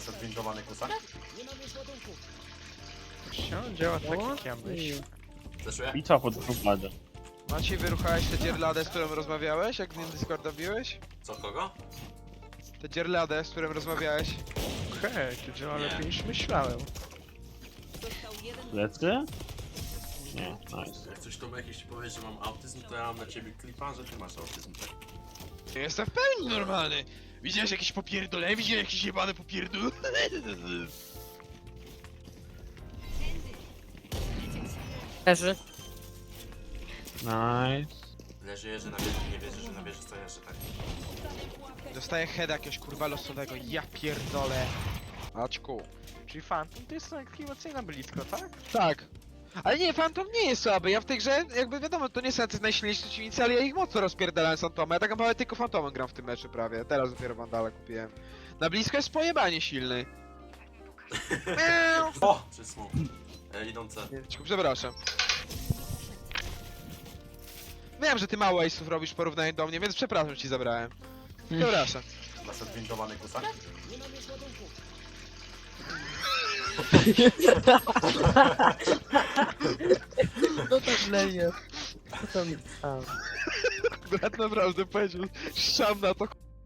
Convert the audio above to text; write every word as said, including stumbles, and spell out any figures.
Masz odwindowany kusak? Się działa tak jak ja myślę. Zeszły? Bitwa pod grupadę. Maciej, wyruchałeś tę dzierladę, z którą rozmawiałeś, jak z nim Discorda biłeś? Co, kogo? Tę dzierladę, z którą rozmawiałeś? Okej, to działa Nie. lepiej niż myślałem. Lecę? Nie, nice. Jak coś to jakiś ci powie, że mam autyzm, to ja mam na ciebie klipa, że ty masz autyzm, tak? Ja jestem w pełni normalny. Widziałeś jakieś popierdolę? Widziałeś jakieś jebane popierdol? Leży. Nice. Leży jeży na wieży, nie wierzy, że na wieży stoi jeszcze tak. Dostaję heada jakiegoś kurwa losowego, ja pierdolę. Aczku. Czyli Phantom to jest aktywacyjna blisko, tak? Tak. Ale nie, Phantom nie jest słaby, ja w tej grze, jakby wiadomo, to nie są tacy najsilniejsi przeciwnicy, ale ja ich mocno rozpierdalałem z Phantomem. Ja tak naprawdę tylko Phantomem gram w tym meczu prawie, teraz dopiero Vandala kupiłem. Na blisko jest pojebanie silny. Miau. O! Przez smok. E, idą C. Nie, cicho, przepraszam. Wiem, że ty mało ace'ów robisz w porównaniu do mnie, więc przepraszam, ci zabrałem. Przepraszam. Masz odwindowany kusak? No tak leje. Co tam tam? Brat naprawdę powiedział, szam na to